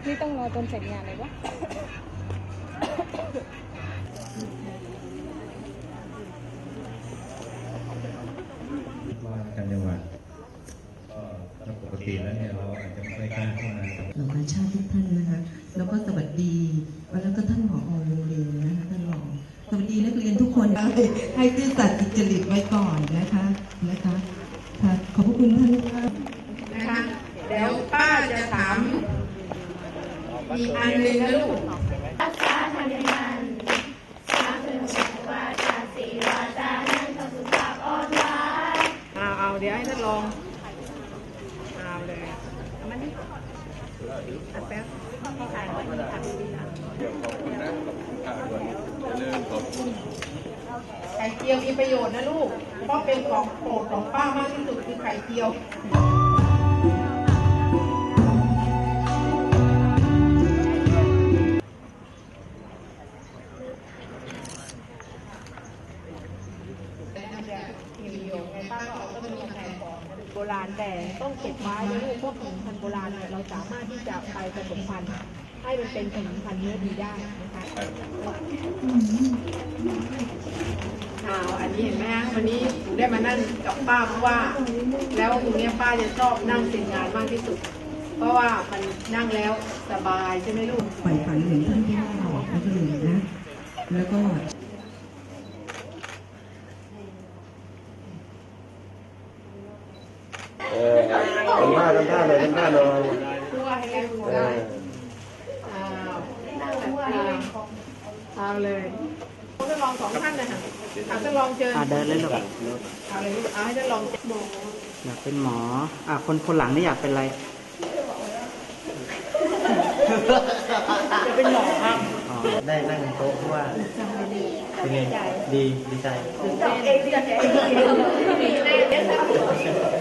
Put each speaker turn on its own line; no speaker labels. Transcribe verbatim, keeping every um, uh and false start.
นี่ต้องรอจนเสร็จงานเลยวะ
ว่ากันจังหวัดก็ปกติแล้วเนี่ยเราอาจจะไม่กล้าเข้ามา
เหล่าชาติทุกท่านนะคะแล้วก็สวัสดีแล้วก็ท่านผอ.โรงเรียนนะคะท่านรองสวัสดีนักเรียนทุกคนให้ซื่อสัตย์สุจริตไว้ก่อนนะคะนะคะค่ะขอบพระคุณท่าน
นะคะเดี๋ยวป้าจะถามอีกอันหนึ่งนะลูก
รักษาธรรมมันสาธุวาจาสีวาจานั้นต้องสุภาพอ่อนหวาน
เอาเอาเดี๋ยวให้ท่านลองเอาเลยมันนี่แป๊บถ่ายไว้ถ่ายดีนะเดี๋ยวขอบคุณนะขอบคุณค่ะด้วยเริ่มขอบคุณไข่เจียวมีประโยชน์นะลูกเพราะเป็นของโปรดของป้ามากที่สุดคือไข่เจียวโบราณแต่ต้องเก็บไว้นะลูกพวกขนมพันธุ์โบราณเนี่ยเราสามารถที่จะไปผสมพันธุ์ให้มันเป็นขนมพันธุ์เนื้อดีได้นะคะอ้าวอันนี้เห็นไหมฮะวันนี้หนูได้มานั่งกับป้าเพราะว่าแล้วตรงนี้ป้าจะชอบนั่งเซ็นงานมากที่สุดเพราะว่ามันนั่งแล้วสบายใช่ไหมลูก
ใฝ่ฝันเหมือนท่านที่ว่าบอกนักเรียนนะแล้วก็
เออทำท่าทำท่าเลยทำท่าเลย
ตัวให้ได้ดูได้อ้าวเอาเลยท่านลองสองท่านเลยค่ะท่านลองเชิญ
เดินเลยลูก
เอาเลยลูกเอาให้ท่านลองหมอ
อยากเป็นหมออ่ะคนคนหลังนี่อยากเป็นอะไร
จะเป็นหมอครับ
ได้นั่งโต๊ะเพราะว่าเป็นไงดีดีใจ
เองดีใจ